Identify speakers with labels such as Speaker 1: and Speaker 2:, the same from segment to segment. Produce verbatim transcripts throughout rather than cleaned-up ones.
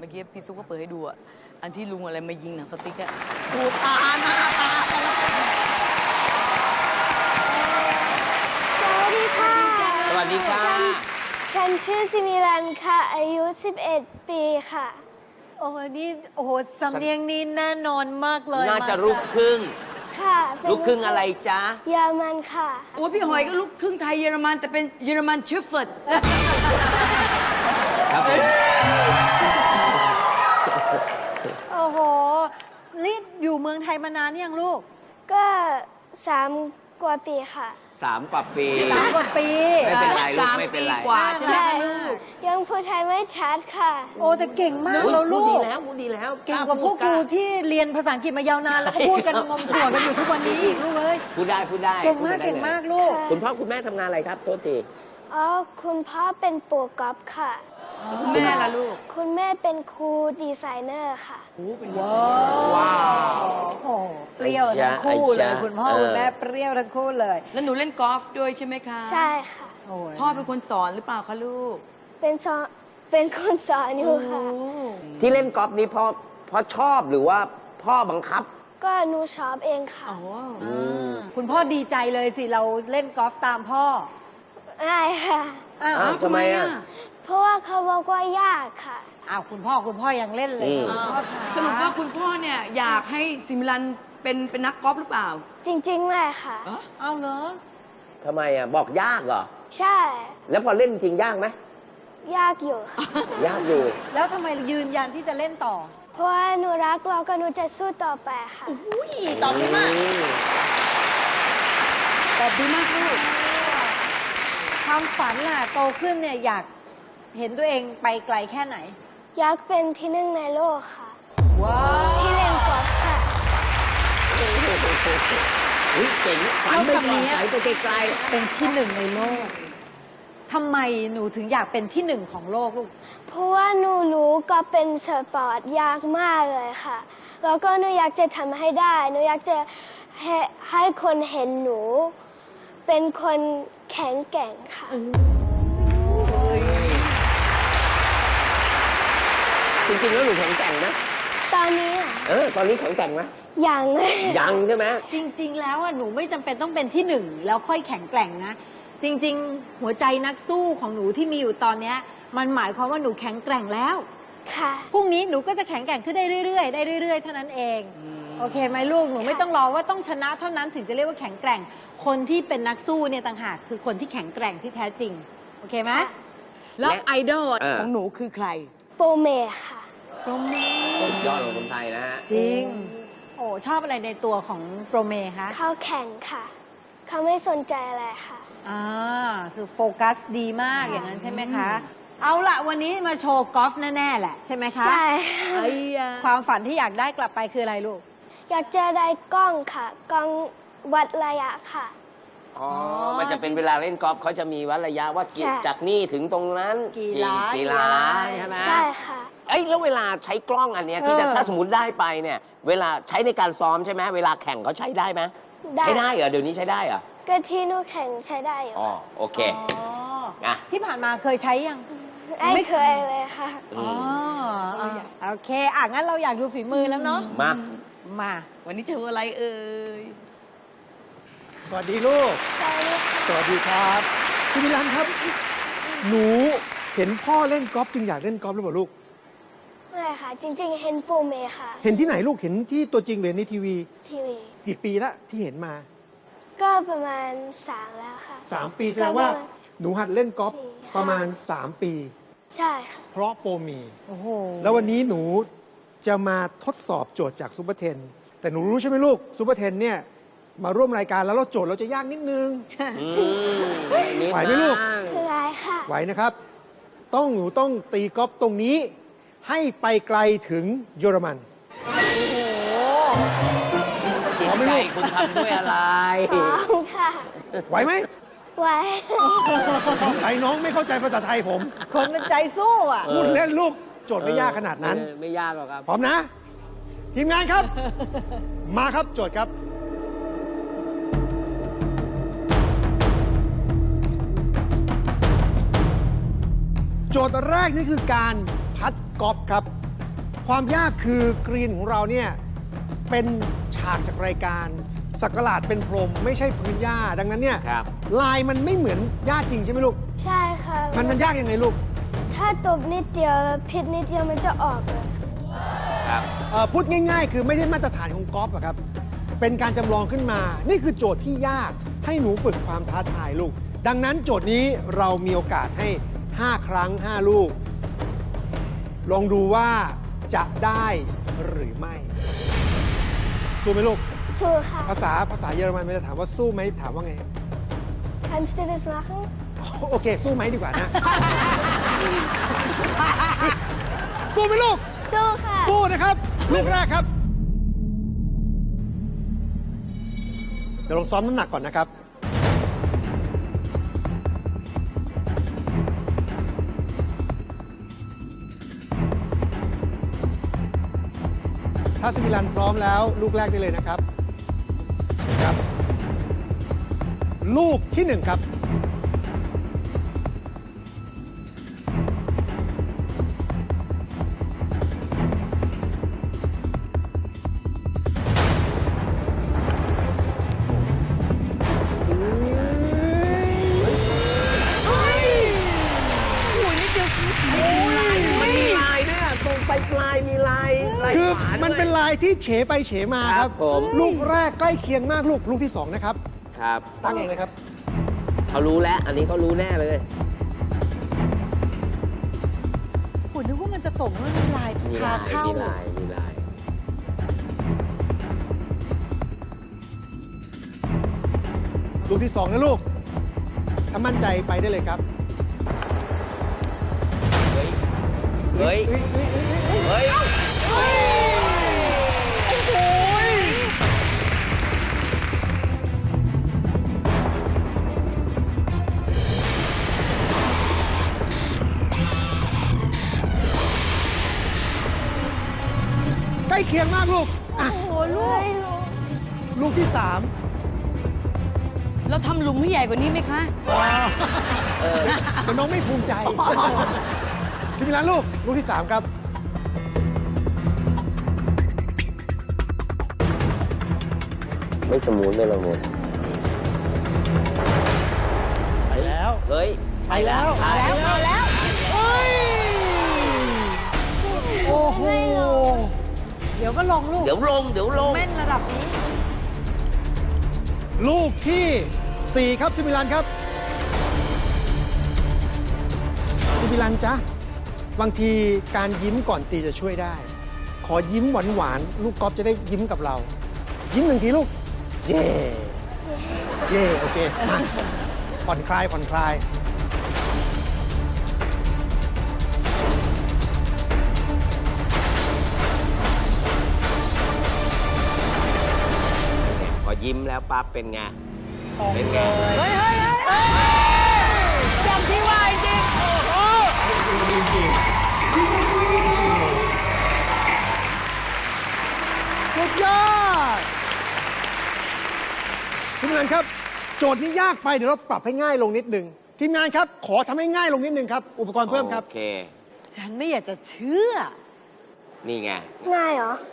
Speaker 1: มื่อกี้พี่ซุกก็เปิดให้ดูอะอันที่ลุงอะไรมายิงหนังสติ๊กอะดูตาหน้าตาแต่ละคน
Speaker 2: สวัสดีค่ะ
Speaker 3: สวัสดีค่ะ
Speaker 2: ฉันชื่อซิมิลันค่ะ อายุ สิบเอ็ด ปีค่ะ
Speaker 4: โอ้โหนี่โอ้โหสำเนียงนี้แน่นอนมากเลย
Speaker 3: น่าจะ
Speaker 4: ม
Speaker 3: ลูกครึ่ง
Speaker 2: ค่ะเป็น
Speaker 3: ลูกครึ่งอะไรจ๊ะ
Speaker 2: เยอรมันค่ะ
Speaker 1: โอ้พี่หอยก็ลูกครึ่งไทยเยอรมันแต่เป็นเยอรมันเชฟเฟิร์ด
Speaker 3: ครับผม
Speaker 4: โอ้โหนี่อยู่เมืองไทยมานานยังลูก
Speaker 2: ก็สามกว่าปีค่ะ
Speaker 3: สามกว่าปี
Speaker 4: สามกว่าปี
Speaker 3: ไม่เป็นไรลูก
Speaker 1: สาม
Speaker 3: ไม่เป็น
Speaker 1: ปี
Speaker 3: ไร
Speaker 1: กว่าใช่ไหมคะลูก
Speaker 2: ยังพูดไทยไม่ชัดค่ะ
Speaker 4: โอ้แต่เก่งมาก
Speaker 3: อุ๊ย
Speaker 4: แล้ว
Speaker 3: พู
Speaker 4: ลู
Speaker 3: ดดี
Speaker 4: ก
Speaker 3: แล้วพูดดีแล้ว
Speaker 4: เก่งกว่าพวกครูที่เรียนภาษาอังกฤษมายาวนานแล้วก็พูดกันงมถั่วกันอยู่ทุกวันนี้อีกลูกเอ้ย
Speaker 3: พูดได้พูดได้
Speaker 4: เก่งมาก
Speaker 3: พูดได้
Speaker 4: เก่งมาก
Speaker 3: ลย
Speaker 4: ลูก
Speaker 3: คุณพ่อคุณแม่ทำงานอะไรครับโทษที
Speaker 2: อ๋อ คุณพ่อเป็นโปรกอล์ฟค่ะ
Speaker 1: แม่ล่ะลูก
Speaker 2: คุณแม่เป็นครูดีไซเนอร์ค่ะ
Speaker 1: โอ้เป็น
Speaker 4: ว้าวว้าวโอ้โหเปรี้ยวทั้งคู่เลยคุณพ่อคุณแม่เปรี้ยวทั้งคู่เลย
Speaker 1: แล้วหนูเล่นกอล์ฟด้วยใช่ไหมคะ
Speaker 2: ใช่ค่ะ
Speaker 4: โอ้ย
Speaker 1: พ่อเป็นคนสอนหรือเปล่าคะลูก
Speaker 2: เป็นสอนเป็นคนสอนอยู่ค่ะ
Speaker 1: โอ้
Speaker 3: ที่เล่นกอล์ฟนี้เพราะเพราะชอบหรือว่าพ่อบังคับ
Speaker 2: ก็หนูชอบเองค่ะ
Speaker 1: โอ้
Speaker 4: คุณพ่อดีใจเลยสิเราเล่นกอล์ฟตามพ่อ
Speaker 2: ไม่ค่ะ
Speaker 4: อ้าว
Speaker 3: อ้าวทำไมอ่ะ
Speaker 2: เพราะว่าเขาบอกว่ายากค่ะ
Speaker 4: อ้าวคุณพ่อคุณพ่อยังเล่นเลย
Speaker 3: อืม
Speaker 4: คุณพ่อคะ
Speaker 1: สรุปว่าคุณพ่อเนี่ยอยากให้ซิมิลันเป็นเป็นนักกอล์ฟหรือเปล่า
Speaker 2: จริงๆไม่ค่ะ
Speaker 1: อ๋อ
Speaker 4: เอาเหรอ
Speaker 3: ทำไมอ่ะบอกยากเหรอ
Speaker 2: ใช่
Speaker 3: แล้วพอเล่นจริงยากไหม
Speaker 2: ยากอยู่ค่ะ
Speaker 3: ยากอยู่
Speaker 4: แล้วทำไมยืนยันที่จะเล่นต่อ
Speaker 2: เพราะว่าหนูรักเราก็หนูจะสู้ต่อไปค่ะ
Speaker 1: อุ้ยตอบดีมาก
Speaker 3: อืม
Speaker 1: ตอบดีมากลูก
Speaker 4: ความฝันล่ะโตขึ้นเนี่ยอยากเห็นตัวเองไปไกลแค่ไหน
Speaker 2: อยากเป็นที่หนึ่งในโลกค่ะ
Speaker 4: ว้าว
Speaker 2: ที่เล่นกอล์ฟค่ะ
Speaker 3: เฮ้ยเจ๋งฝันไปก่อนไหลไปไกล
Speaker 4: เป็นที่หนึ่งในโลกทำไมหนูถึงอยากเป็นที่หนึ่งของโลกลูก
Speaker 2: เพราะว่าหนูรู้ก็เป็นสปอร์ตยากมากเลยค่ะ แล้วก็หนูอยากจะทำให้ได้ หนูอยากจะให้ให้คนเห็นหนู เป็นคนแข็งแกร่งค่ะ
Speaker 3: ๆจริงๆแล้วหนูแข็งแกร่งนะ
Speaker 2: ตอนนี้อะ
Speaker 3: เออตอนนี้แข็งแกร่งไหม
Speaker 2: ยังเลย
Speaker 3: ยังใช่ไหม
Speaker 4: จริง ๆ แล้วอ่ะหนูไม่จำเป็นต้องเป็นที่หนึ่งแล้วค่อยแข็งแกร่งนะ จริง ๆ หัวใจนักสู้ของหนูที่มีอยู่ตอนเนี้ยมันหมายความว่าหนูแข็งแกร่งแล้ว
Speaker 2: ค่ะ
Speaker 4: พรุ่งนี้หนูก็จะแข็งแกร่งขึ้นได้เรื่อยๆได้เรื่อยๆเท่านั้นเอง โอเคไหมลูกหนูไม่ต้องรอว่าต้องชนะเท่านั้นถึงจะเรียกว่าแข็งแกร่ง คนที่เป็นนักสู้เนี่ยต่างหากคือคนที่แข็งแกร่งที่แท้จริงโอเคไหม
Speaker 1: แล้ว
Speaker 3: และ
Speaker 1: ไอดอล
Speaker 3: เออ
Speaker 1: ของหนูคือใคร
Speaker 2: โปรเมค่ะ
Speaker 3: สุดยอดของคนไทยนะฮะ
Speaker 4: จริง โอ้ชอบอะไรในตัวของโปรเมคะ
Speaker 2: เขาแข่งค่ะ เขาไม่สนใจอะไรค่ะ
Speaker 4: อ่าคือโฟกัสดีมากอย่างนั้นใช่ไหมคะ เอาละวันนี้มาโชว์กอล์ฟแน่ๆแหละใช่ไหมคะ
Speaker 2: ใช่ค่ะ
Speaker 1: ไอ้ยา
Speaker 4: ความฝันที่อยากได้กลับไปคืออะไรลูก
Speaker 2: อยากจะได้กล้องค่ะ กล้องวัดระยะค่ะ
Speaker 3: อ๋อ มันจะเป็นเวลาเล่นกอล์ฟเขาจะมีวัดระยะว่ากี่
Speaker 2: ใช่
Speaker 3: จากนี่ถึงตรงนั้น
Speaker 4: กี่หลา
Speaker 3: กี่หลาใช่ไหม
Speaker 2: ใช่ค่ะ
Speaker 3: เอ้ยแล้วเวลาใช้กล้องอันเนี้ยที่จะ
Speaker 4: เออ
Speaker 3: ถ้าสมมติได้ไปเนี่ย เวลาใช้ในการซ้อมใช่ไหมเวลาแข่งเขาใช้ได้ไหม
Speaker 2: ได้
Speaker 3: ใช้ได้เหรอเดี๋ยวนี้ใช้ได้เหรอ
Speaker 2: ก็ที่หนูแข่งใช้ได้อยู่
Speaker 3: อ๋อ
Speaker 2: ค่ะ
Speaker 3: โอเค
Speaker 4: อ๋อ
Speaker 3: อ่ะ
Speaker 4: ที่ผ่านมาเคยใช้ยัง
Speaker 2: ไม่เคยเลยค่ะ
Speaker 3: อืม
Speaker 4: อ๋อโอเคอ่ะงั้นเราอยากดูฝีมือแล้วเนาะ
Speaker 3: มา
Speaker 4: มา
Speaker 1: วันนี้เจออะไรเอ่ย
Speaker 5: สวัสดีลูก
Speaker 2: ใช่เลยค่ะ
Speaker 5: สวัสดีครับคุณมิลันครับ หนูเห็นพ่อเล่นกอล์ฟจึงอยากเล่นกอล์ฟหรือเปล่าลูก
Speaker 2: ไม่ค่ะ จริง ๆ เห็นโปรเมค่ะ
Speaker 5: เห็นที่ไหนลูก เห็นที่ตัวจริงหรือในทีวี
Speaker 2: ทีวี
Speaker 5: กี่ปีละที่เห็นมา
Speaker 2: ก็ประมาณสามแล้วค่ะ
Speaker 5: สามปีแสดงว่า
Speaker 2: ก็ประมณ
Speaker 5: หนูหัดเล่นกอล์ฟ
Speaker 2: สี่
Speaker 5: ประมาณ
Speaker 2: ห้า
Speaker 5: สามปี
Speaker 2: ใช่ค่ะ
Speaker 5: เพราะโปรมี
Speaker 4: โอ้โห
Speaker 5: แล้ววันนี้หนูจะมาทดสอบโจทย์จากซูเปอร์เทน แต่หนูรู้ใช่ไหมลูกซูเปอร์เทนเนี่ยมาร่วมรายการแล้วเราโจทย์เราจะยากนิดนึง
Speaker 3: อืมนิด
Speaker 5: ไหวไหมลูก
Speaker 3: บ้าง
Speaker 2: คือไรค่ะ
Speaker 5: ไหวนะครับ ต้องหนูต้องตีกอล์ฟตรงนี้ ให้ไปไกลถึงเยอรมัน
Speaker 3: จิตใจคุณทำด้วยอะไร
Speaker 2: พร้อมค่ะ
Speaker 5: ไหวไหม
Speaker 2: ไว้
Speaker 5: สงสัยน้องไม่เข้าใจภาษาไทยผม
Speaker 4: คนมันใจสู้อ่ะ
Speaker 3: เออ
Speaker 5: พูดเล่นลูก โจทย์ไม่ยากขนาดนั้น
Speaker 3: เออไม่ยากหรอกครับ
Speaker 5: พร้อมนะ ทีมงานครับ มาครับโจทย์ครับ โจทย์แรกนี่คือการพัดกอล์ฟครับความยากคือกรีนของเราเนี่ยเป็นฉากจากรายการสักหลาดเป็นพรมไม่ใช่พื้นหญ้าดังนั้นเนี่ย
Speaker 3: ครับ
Speaker 5: ลายมันไม่เหมือนหญ้าจริงใช่ไหมลูก
Speaker 2: ใช่ค่ะ
Speaker 5: มันมันยากยังไงลูก
Speaker 2: ถ้าตบนิดเดียวแล้วผิดนิดเดียวมันจะออกเลย
Speaker 3: ครับ
Speaker 5: เอ่อพูดง่ายๆ คือไม่ได้มาตรฐานของกอล์ฟอะครับ เป็นการจำลองขึ้นมา นี่คือโจทย์ที่ยากให้หนูฝึกความท้าทายลูก ดังนั้นโจทย์นี้เรามีโอกาสให้ ห้า ครั้ง ห้า ลูก ลองดูว่าจะได้หรือไม่ สู้ไหมลูก
Speaker 2: สู้ค่ะ
Speaker 5: ภาษาภาษาเยอรมันมันจะถามว่าสู้ไหมถามว่าไง
Speaker 2: Kannst du das machen
Speaker 5: โอเค สู้ไหมดีกว่านะ สู้ไหมลูก
Speaker 2: สู้ค่ะ
Speaker 5: สู้นะครับ ลูกแรกครับ เดี๋ยวลองซ้อมน้ำหนักก่อนนะครับ ถ้าสมิลันพร้อมแล้ว ลูกแรกได้เลยนะครับครับ ลูกที่หนึ่งครับ
Speaker 3: มันมีลายด้วยอะตรงปลายปลายมีลายลาย
Speaker 5: คือ
Speaker 3: ขวาด้วย
Speaker 5: มันเป็นลายที่เฉไปเฉมาค
Speaker 3: ครั
Speaker 5: รับบ
Speaker 3: ผม
Speaker 5: ลูกแรกใกล้เคียงมากลูก ลูกที่สองนะครับ
Speaker 3: ครับ
Speaker 5: ตั้งเองเลยครับ
Speaker 3: เขารู้แล้ว อันนี้เขารู้แน่เลย
Speaker 4: ผมนึกว่ามันจะตกว่ามันมีลาย
Speaker 3: มี
Speaker 4: พา
Speaker 3: ลาย
Speaker 4: เข้า
Speaker 3: มีลาย มีลาย
Speaker 5: ลูกที่สองนะลูก ถ้ามั่นใจไปได้เลยครับ
Speaker 3: เฮ้ย เฮ้ย
Speaker 5: เฮ้ยเฮ้ยเฮ้ยเฮ้ย
Speaker 3: เฮ้ย
Speaker 5: ใกล้เคียงมากลูกอ่ะ
Speaker 4: โอ้โหลูก
Speaker 5: ลูกที่สาม
Speaker 1: เราทำหลุมให้ใหญ่กว่านี้ไหมคะ
Speaker 3: เออ
Speaker 5: แต่น้องไม่ภูมิใจสิมิลันลูก ลูกที่สามครับ
Speaker 3: ไม่สมูทไม่ละมุน
Speaker 5: ไปแล้ว
Speaker 3: เฮ้ย
Speaker 5: ใช่แล้ว
Speaker 3: ใช่แล้ว
Speaker 4: มาแล้ว
Speaker 5: เฮ้ย โอ้โห
Speaker 4: เดี๋ยวก็ลงลูก
Speaker 3: เดี๋ยวลง เดี๋ยวลง
Speaker 4: แม่นระดับนี้
Speaker 5: ลูกที่สี่ครับซิมิลันครับซิมิลันจ๊ะ บางทีการยิ้มก่อนตีจะช่วยได้ ขอยิ้มหวานหวานๆลูกกอล์ฟจะได้ยิ้มกับเรา ยิ้มหนึ่งทีลูก เย่เย่โอเคมาผ่อนคลายผ่อนคลาย
Speaker 3: พอยิ้มแล้วปั๊บเป็นไง เป็นไง
Speaker 1: เฮ้ยเฮ้ยเฮ้ยจำที่ว่าจริงโอ้โห
Speaker 5: สุดยอดทีมงานครับ โจทย์นี้ยากไปเดี๋ยวเราปรับให้ง่ายลงนิดหนึ่งทีมงานครับ ขอทำให้ง่ายลงนิดหนึ่งครับ อุปกรณ์เพิ่มครับ
Speaker 3: โอเค
Speaker 4: ฉันไม่อยากจะเชื่อ
Speaker 3: นี่ไง
Speaker 2: ง่ายเหรอ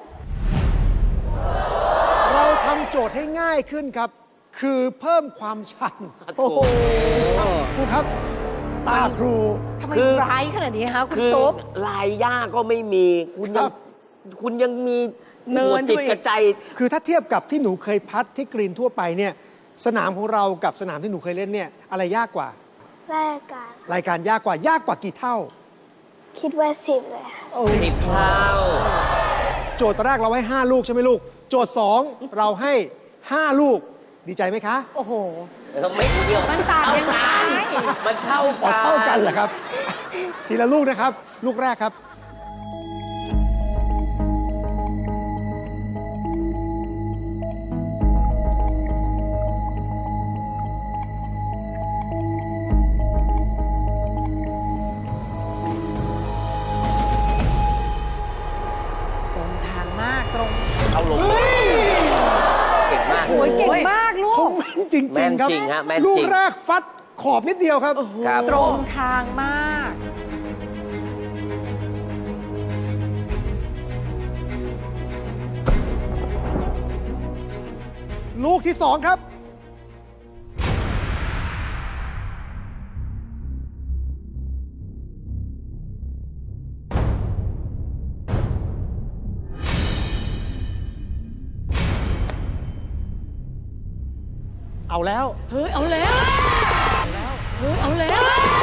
Speaker 5: เราทำโจทย์ให้ง่ายขึ้นครับ คือเพิ่มความชัน
Speaker 3: โอ้โห
Speaker 5: ครูครับ ตาครู
Speaker 4: ทำไม
Speaker 3: คือ
Speaker 4: ร้ายขนาดนี้คะคุณ
Speaker 3: คือ
Speaker 4: ซุป
Speaker 3: ลายย่าก็ไม่มี คุณ
Speaker 5: ค
Speaker 3: ยั
Speaker 5: รั
Speaker 3: ง
Speaker 5: บ
Speaker 3: คุณยังมี
Speaker 1: เนิน
Speaker 3: หัวจิต
Speaker 1: ด้วย
Speaker 3: กระใจ
Speaker 5: คือถ้าเทียบกับที่หนูเคยพัดที่กรีนทั่วไปเนี่ย สนามของเรากับสนามที่หนูเคยเล่นเนี่ย อะไรยากกว่า
Speaker 2: แรกกัน
Speaker 5: รายการยากกว่ายากกว่ากี่เท่า
Speaker 2: คิดว่าสิบเลยค่ะ
Speaker 3: สิบเท่า
Speaker 5: โจทย์ตอนแรกเราให้ ห้า ลูกใช่ไหมลูก โจทย์ สอง เราให้ ห้า ลูก ดีใจไหมคะ
Speaker 4: โอ้โห
Speaker 3: เราไม่เกี่ยว
Speaker 4: มันต่างยังไง
Speaker 3: มันเท่า
Speaker 5: อ๋อ
Speaker 3: กัน
Speaker 5: เท่ากันเหรอครับ ทีละลูกนะครับ ลูกแรกครับ
Speaker 4: ตรงทางมากตรง
Speaker 3: เอาลงเก่งมาก
Speaker 4: โอ้ยเก่งมากลู
Speaker 5: ค
Speaker 4: ก
Speaker 5: งแม่นจริง
Speaker 3: แม่น
Speaker 5: ๆครับ
Speaker 3: จริงฮะแม่นจริง
Speaker 5: ลูกแรกฟัดขอบนิดเดียวครับ
Speaker 3: ครับ
Speaker 4: ตรงทางมาก
Speaker 5: ลูกที่สองครับ เอาแล้ว
Speaker 1: เฮ้ย เอาแล้ว เฮ้ย เอาแล้ว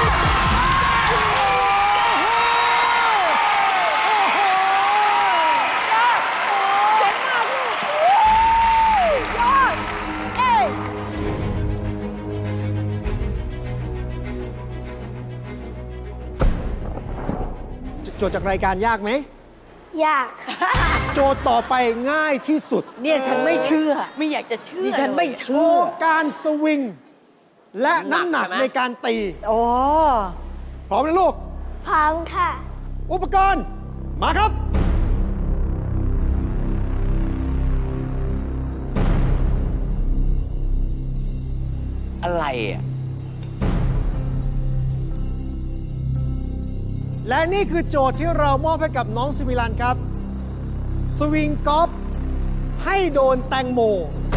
Speaker 5: โจทย์จากรายการยากไหม
Speaker 2: ยากค่ะ
Speaker 5: โจทย์ต่อไปง่ายที่สุด
Speaker 4: เนี่ยฉันไม่เชื่อ
Speaker 1: ไม่อยากจะเชื่อ
Speaker 4: ดิฉันไม่
Speaker 1: เลย
Speaker 5: โช
Speaker 4: เชื่อ
Speaker 5: ว์การสวิง และน้ำหนัก
Speaker 3: ใช่ไหม
Speaker 5: ในการตี
Speaker 4: โอ้
Speaker 5: พร้อมนะลูก
Speaker 2: พร้อมค่ะ
Speaker 5: อุปกรณ์มาครับ
Speaker 3: อะไรอ่ะ
Speaker 5: และนี่คือโจทย์ที่เรามอบให้กับน้องซิมิลันครับ สวิงกอล์ฟให้โดนแตงโม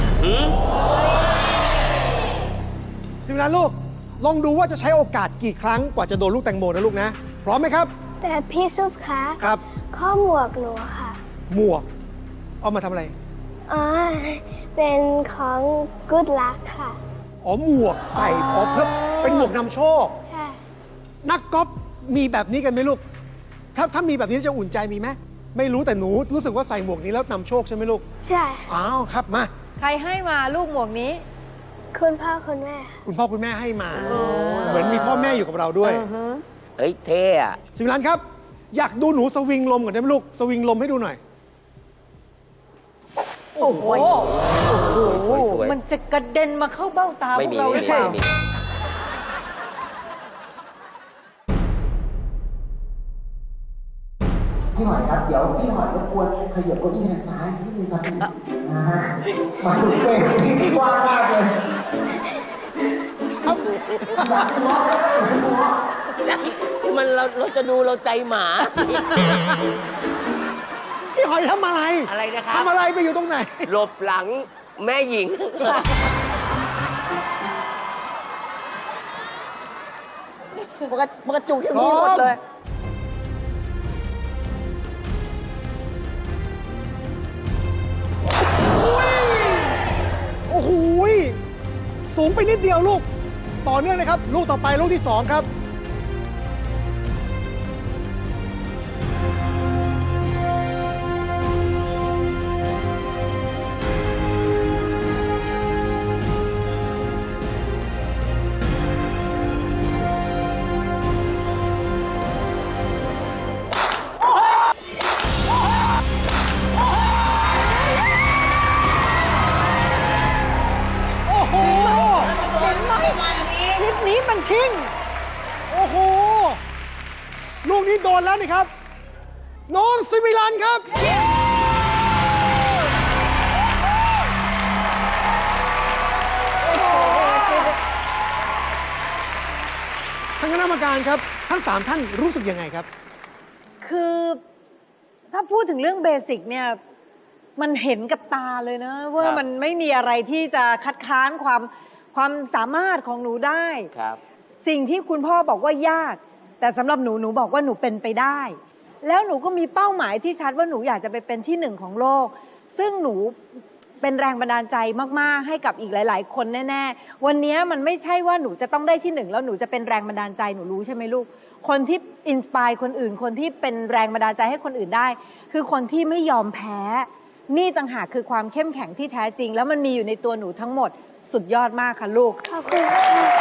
Speaker 5: ซิมิลันลูก ลองดูว่าจะใช้โอกาสกี่ครั้งกว่าจะโดนลูกแตงโมนะลูกนะ พร้อมไหมครับ
Speaker 2: แต่พี่ซุปคะ
Speaker 5: ครับ
Speaker 2: ข้อหมวกหนูค่ะ
Speaker 5: หมวก เอามาทำอะไร
Speaker 2: อ๋อ เป็นของ Good Luck ค่ะ
Speaker 5: อ๋อ หมวกใส่อ๋อเพื่อเป็นหมวกนำโชค
Speaker 2: ใช่
Speaker 5: นักกอล์ฟมีแบบนี้กันไหมลูก ถ้าถ้ามีแบบนี้จะอุ่นใจมีไหม ไม่รู้แต่หนูรู้สึกว่าใส่หมวกนี้แล้วนำโชคใช่ไหมลูก
Speaker 2: ใช่ค่ะ
Speaker 5: อ้าวครับมา
Speaker 4: ใครให้มาลูกหมวกนี้
Speaker 2: คุณพ่อคุณแม่ค่ะ
Speaker 5: คุณพ่อคุณแม่ให้มา เหมือนมีพ่อแม่อยู่กับเราด้วย
Speaker 3: เฮ้ย เท่อะ
Speaker 5: สิมิลันครับ อยากดูหนูสวิงลมก่อนได้ไหมลูก สวิงลมให้ดูหน่อย
Speaker 4: โอ้โห
Speaker 3: สวยสวย
Speaker 4: มันจะกระเด็นมาเข้าเบ้าตาพ
Speaker 3: ไม่
Speaker 4: วก
Speaker 3: มี
Speaker 4: เราห
Speaker 3: ไม่
Speaker 4: รือ
Speaker 3: มี
Speaker 4: เปล่า
Speaker 3: ไม่มี
Speaker 6: พี่หอยครับ เดี๋ยวพี่หอยรบกวนขยับเก้าอี้ทางซ้ายนิดนึงครับพี่นะฮะมาดูเป้ที่กว้างมากเลย
Speaker 3: ใจมันเราเราจะดูเราใจหมา
Speaker 5: พี่หอยทำอะไร
Speaker 3: อะไรนะครับ
Speaker 5: ทำอะไรไปอยู่ตรงไหน
Speaker 3: หลบหลังแม่หญิง
Speaker 1: มันกระมันกระจุกอย่างนี้หมดเลย
Speaker 5: โอ้โหยสูงไปนิดเดียวลูก ต่อเนื่องนะครับ ลูกต่อไปลูกที่สองครับ โอ้โห
Speaker 4: คลิปนี้มันทิ้ง
Speaker 5: โอ้โห ลูกนี้โดนแล้วนี่ครับ น้องซิมิลันครับ ท่านคณะกรรมการครับ ทั้งสามท่านรู้สึกยังไงครับ
Speaker 4: คือถ้าพูดถึงเรื่องเบสิกเนี่ยมันเห็นกับตาเลยนะ ว่า
Speaker 3: ครับ
Speaker 4: มันไม่มีอะไรที่จะคัดค้านความความสามารถของหนูได้
Speaker 3: ครับ
Speaker 4: สิ่งที่คุณพ่อบอกว่ายาก แต่สำหรับหนูหนูบอกว่าหนูเป็นไปได้ แล้วหนูก็มีเป้าหมายที่ชัดว่าหนูอยากจะไปเป็นที่หนึ่งของโลก ซึ่งหนูเป็นแรงบันดาลใจมากๆให้กับอีกหลาย ๆ คนแน่ๆวันนี้มันไม่ใช่ว่าหนูจะต้องได้ที่หนึ่งแล้วหนูจะเป็นแรงบันดาลใจหนูรู้ใช่ไหมลูกคนที่อินสปายคนอื่นคนที่เป็นแรงบันดาลใจให้คนอื่นได้ คือคนที่ไม่ยอมแพ้ นี่ต่างหากคือความเข้มแข็งที่แท้จริง แล้วมันมีอยู่ในตัวหนูทั้งหมดสุดยอดมากค่ะลูก
Speaker 2: ขอบคุณค่ะ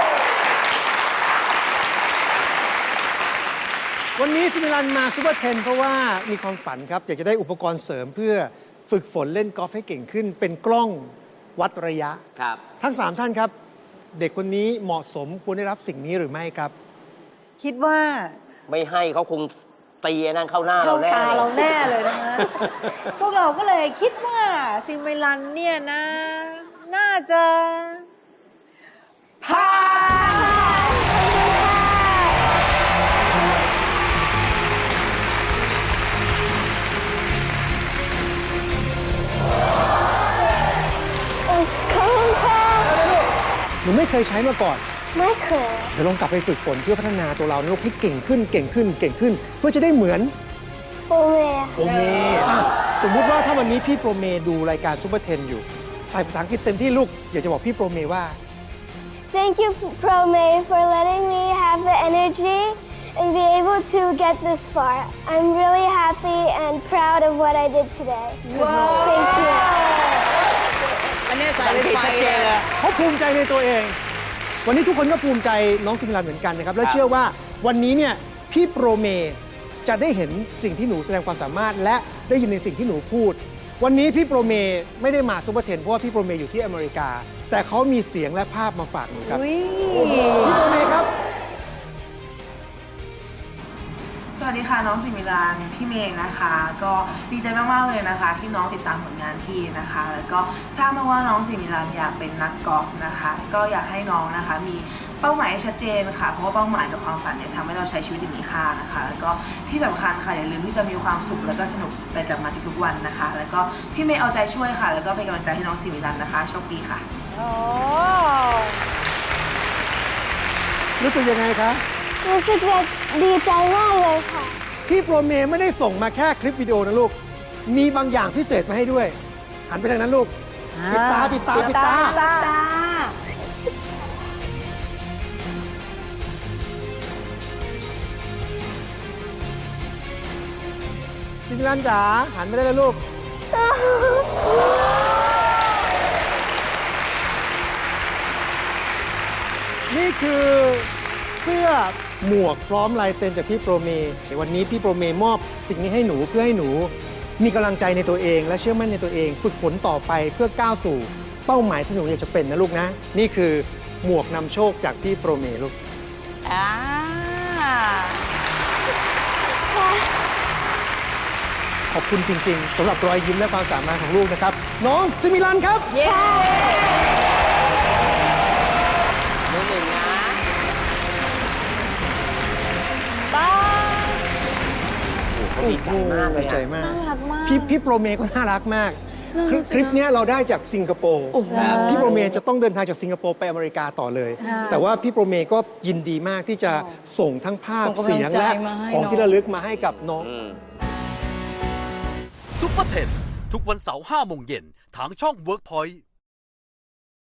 Speaker 5: วันนี้ซิมิลันมาซูเปอร์เทนเพราะว่ามีความฝันครับ อยากจะได้อุปกรณ์เสริมเพื่อฝึกฝนเล่นกอล์ฟให้เก่งขึ้น เป็นกล้องวัดระยะ
Speaker 3: ครับ
Speaker 5: ทั้งสามท่านครับ เด็กคนนี้เหมาะสมควรได้รับสิ่งนี้หรือไม่ครับ
Speaker 4: คิดว่า
Speaker 3: ไม่ให้เขาคงตีไอ้นั่นเข้าหน้า
Speaker 4: เข้า
Speaker 3: เราแน่
Speaker 4: ตาเราแน่เลยนะคะ พวกเราก็เลยคิดว่าซิมิลันเนี่ยนะ น่าจะผ่าน
Speaker 2: โอ้ขอ
Speaker 5: ไม่เคยใช้มาก่อน
Speaker 2: ไม่เคย
Speaker 5: เดี๋ยวลองกลับไปฝึกฝนเพื่อพัฒนาตัวเรานะลูกให้เก่งขึ้นเก่งขึ้นเก่งขึ้น เพื่อจะได้เหมือน
Speaker 2: โปรเม
Speaker 5: โปรเมอ่ะสมมุติว่าถ้าวันนี้พี่โปรเมดูรายการซูเปอร์เทนอยู่ใส่ภาษาอังกฤษเต็มที่ลูกอยากจะบอกพี่โปรเมว่า
Speaker 2: Thank you Prome for letting me have the energy and be able to get this far. I'm really happy and proud of what I did today. Thank you.
Speaker 1: อันนี้สายไฟเลย
Speaker 5: เขาภูมิใจในตัวเอง วันนี้ทุกคนก็ภูมิใจน้องซิมิลันเหมือนกันนะครับ และเชื่อว่าวันนี้เนี่ยพี่โปรเมจะได้เห็นสิ่งที่หนูแสดงความสามารถ และได้ยินในสิ่งที่หนูพูด วันนี้พี่โปรเมไม่ได้มาซูเปอร์เทนเพราะว่าพี่โปรเมอยู่ที่อเมริกา แต่เขามีเสียงและภาพมาฝากหนูครับ
Speaker 4: อุ๊ย
Speaker 5: พี่โปรเมครับ
Speaker 7: สวัสดีค่ะน้องสิมิลานพี่เมย์นะคะ ก็ดีใจมากๆเลยนะคะ ที่น้องติดตามผลงานพี่นะคะ แล้วก็ทราบมาว่าน้องสิมิลานอยากเป็นนักกอล์ฟนะคะ ก็อยากให้น้องนะคะมีเป้าหมายที่ชัดเจนค่ะเพราะว่าเป้าหมายกับความฝันเนี่ยทำให้เราใช้ชีวิตอย่างมีค่านะคะ แล้วก็ที่สำคัญค่ะอย่าลืมที่จะมีความสุขแล้วก็สนุกไปกับมันทุกๆวันนะคะ แล้วก็พี่เมย์เอาใจช่วยค่ะ แล้วก็เป็นกำลังใจให้น้องสิมิลานนะคะโชคดีค่ะ
Speaker 4: โอ้
Speaker 5: รู้สึกยังไงคะ
Speaker 2: รู้สึกดีใจมากเลยค่ะ
Speaker 5: พี่โปรเมไม่ได้ส่งมาแค่คลิปวิดีโอนะลูก มีบางอย่างพิเศษมาให้ด้วย หันไปทางนั้นลูก ปิดตา ปิดตา ปิดตา
Speaker 4: ตา
Speaker 5: ซิมิลันจ๋า หันไปได้แล้วลูก นี่คือเสื้อหมวกพร้อมลายเซ็นจากพี่โปรเมวันนี้พี่โปรเมมอบสิ่งนี้ให้หนูเพื่อให้หนูมีกำลังใจในตัวเอง และเชื่อมั่นในตัวเอง ฝึกฝนต่อไปเพื่อก้าวสู่เป้าหมายที่หนูอยากจะเป็นนะลูกนะ นี่คือหมวกนำโชคจากพี่โปรเมลูก
Speaker 1: อ่า
Speaker 5: ขอบคุณจริงๆสำหรับรอยยิ้มและความสามารถของลูกนะครับ น้องซิมิลันครับ
Speaker 1: เย้
Speaker 3: น้องหนึ่งนะ
Speaker 1: บ้า
Speaker 3: เขาดีใจมากเลย
Speaker 5: ดีใจ
Speaker 3: อะ
Speaker 5: มาก
Speaker 4: น่ารักมาก
Speaker 5: พี่พี่โปรเมก็น่ารักมาก คลิปคลิปเนี้ยเราได้จากสิงคโปร์พี่โปรเมจะต้องเดินทางจากสิงคโปร์ไปอเมริกาต่อเลย
Speaker 4: ค่ะ
Speaker 5: แต่ว่าพี่โปรเมก็ยินดีมากที่จะส่งทั้งภาพ
Speaker 1: ส่งกำลัง
Speaker 5: เสียงและ
Speaker 1: ใจมาให้
Speaker 5: ของ
Speaker 1: น้อง
Speaker 5: ที่ระลึกมาให้กับน้อง
Speaker 3: อืม
Speaker 8: ซุปเปอร์เทนทุกวันเสาร์ห้าโมงเย็นทางช่อง เวิร์กพอยต์